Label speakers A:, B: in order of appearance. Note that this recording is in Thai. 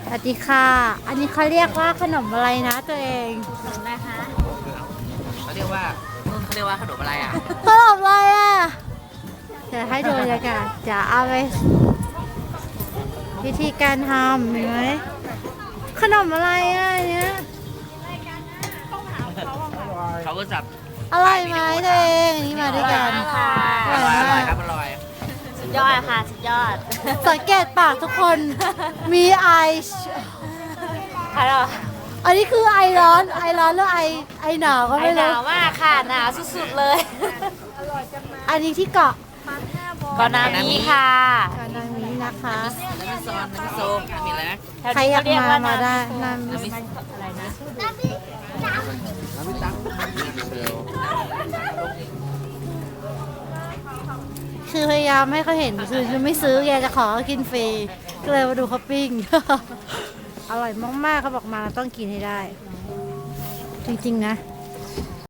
A: สวัสดีค่ะ อันนี้เขาเรียกว่าขนมอะไรนะตัวเอง
B: นะคะเขาเรียกว่าขนมอะไรอ่ะ
A: ขนมอะไรอ่ะเดี๋ยวให้ดูบรรยากาศจะเอาไปวิธีการทำเห็นไหมขนมอะไรอ่ะเนี้ย
B: เขาก็จับ
A: อร่อยไหมตัวเองนี่มาด้วยกัน
B: อร่อยอร่อยครับอร่อย
C: สุดยอดค่ะสุดยอด
A: สังเกตปากทุกคนมีไอ
C: ค่ะเรา
A: อันนี้คือไอร้อนหรือไอหนาวก็
C: ไอ
A: ไม่
C: ห
A: รู้
C: นาวมากค่ะหนาวสุดๆเลย
A: อันนี้ที่เกาะ
C: ก่อนหน้านี้ค่ะ
A: กานามินะคะ
B: น้ำมิซอนน้ำมิโซมีอะไรนะ
C: แถว
A: ใคร
C: นี้
A: อยาก
C: เรียก
A: มา
C: ว่า
A: มาได้
C: น้
A: น้
B: น้ำมิ
C: อะไรนะ
B: น้ำมิตัง
A: ำคือพยายามให้เขาเห็นคือจะไม่ซื้อแกจะขอเขากินฟรีก็เลยมาดูเขาปิ้ง อร่อยมากๆเขาบอกมาเราต้องกินให้ได้ จริงๆนะ